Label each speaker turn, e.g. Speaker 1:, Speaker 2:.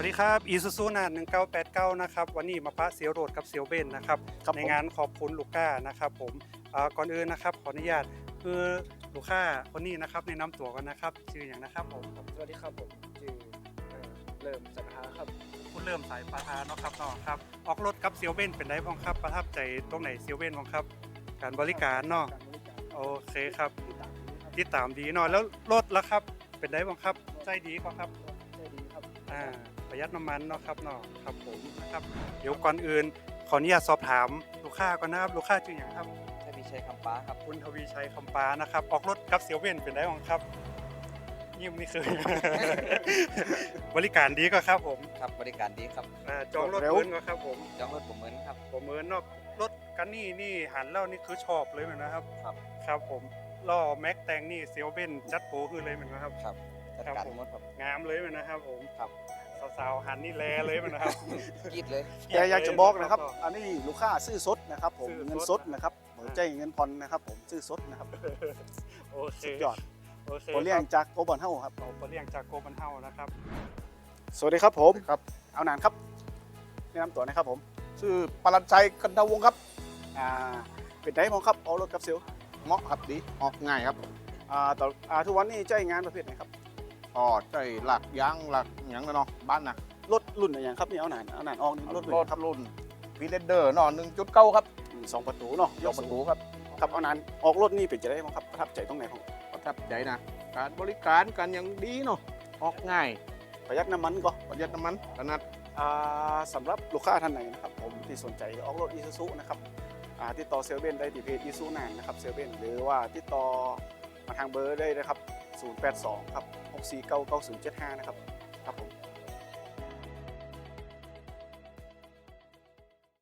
Speaker 1: ดีครับอีซูซูนา1989นะครับวันนี้มาปะเซียวโรดกับเซียวเบนนะครับในงานขอบคุณลูก้านะครับผมก่อนอื่นนะครับขออนุญาตคือลูก้าคนนี้นะครับแนะนำตัวกันนะครับชื่ออย่างนะครับผม
Speaker 2: สวัสดีครับผมชื่อเริ่มสัปดาห์ครับ
Speaker 1: คุณเริ่มสายปะทาเนาะครับเนาะครับออกรถกับเซียวเบนเป็นไงบ้างครับประทับใจตรงไหนเซียวเบนบ้างครับการบริการเนาะ
Speaker 2: การบริการ
Speaker 1: โอเคครับ
Speaker 2: ที่ต่างนี้ครับ
Speaker 1: ที่ตามดีเนาะแล้วรถล่ะครับเป็นไงบ้างครับใจดีกว่าครับ
Speaker 2: ได้ดีครับ
Speaker 1: ประหยัดน้ำมันเนาะครับเนาะครับผมนะครับเดี๋ยวก่อนอื่นขออนุญาตสอบถามลูกค้าก่อนนะครับลูกค้าชื่ออย่างครับ
Speaker 3: ถ้ามีชัยคำป้าครับ
Speaker 1: คุณทวีชัยคำปานะครับออกรถกับเซียวเว่นเป็นได้บ้างครับยิ้มนี่คือ บริการดีก็ครับผม
Speaker 3: ครับบริการดีครับ
Speaker 1: จองรถเพิ่นก็ครับผม
Speaker 3: จองรถผมเหมือนครับ
Speaker 1: ผมเหมือนเนาะรถกันนี่หันแล้วนี่คือชอบเลยเหมือนนะครับ
Speaker 3: ครับ
Speaker 1: ครับผมล้อแม็กแตงนี่เซียวเว่นจัดโปรคือเลยเหมือนนะครับ
Speaker 3: ครับจัด
Speaker 1: ครับ
Speaker 3: การ
Speaker 1: ผม
Speaker 3: หมดครับ
Speaker 1: งามเลยเหมือนนะครับผม
Speaker 3: ครับ
Speaker 1: สาวๆหันนี่แลเลยเหมือนนะครับ
Speaker 3: กรีดเลย
Speaker 2: แต่อยากจะบอกนะครับ อันนี้ลูกค้าซื้อสดนะครับผม
Speaker 1: ซื้อสด
Speaker 2: เงินสดนะครับหัวใจเงินผ่อนนะครับผมซื้อสดนะครับ
Speaker 1: โอเค
Speaker 2: สุดยอด
Speaker 1: โอเค
Speaker 2: ผมเลี้ยงจากโกบอนเฮาครับ
Speaker 1: เราเรียงจากโกบันเฮานะครับ
Speaker 2: สวัสดีครับผม
Speaker 4: ครับ
Speaker 2: เอาหนานครับแนะนำตัวนะครับผม
Speaker 4: ชื่อปรัญชัยกันทวงศ์ครับ
Speaker 2: อ่าเป็นไดมองครับเอารถกับเซลล
Speaker 4: เหมาะครับดีออกง่ายครับ
Speaker 2: ทุกวันนี้ใจงานประเภทไหนครับ
Speaker 4: อ๋อใช่หลักยางหลักหยังนะเนาะบ้านนะ
Speaker 2: รถรุ่นอะไรอย่างครับนี่เอาหนานออกนี่รถ
Speaker 4: รถรุ่นวีเลเดอร์เนาะ1.9ครับ
Speaker 2: สองประตูเนาะ
Speaker 4: ยกประตูครับ
Speaker 2: ครับเอาหนานออกรถนี่เป็นจะได้บ้างครับประทับใจตรงไหนของ
Speaker 4: ประทับใจนะการบริการกันอย่างดีเนาะออกง่าย
Speaker 2: ประหยัดน้ำมันก็
Speaker 4: ประหยัดน้ำมันขนาด
Speaker 2: สำหรับลูกค้าท่านไหนนะครับผมที่สนใจออกรถอีซูซูนะครับติดต่อเซลเว่นได้ที่เพจอีซูนานนะครับเซลเว่นหรือว่าติดต่อมาทางเบอร์ได้นะครับ082ครับ6499075นะครับครับผม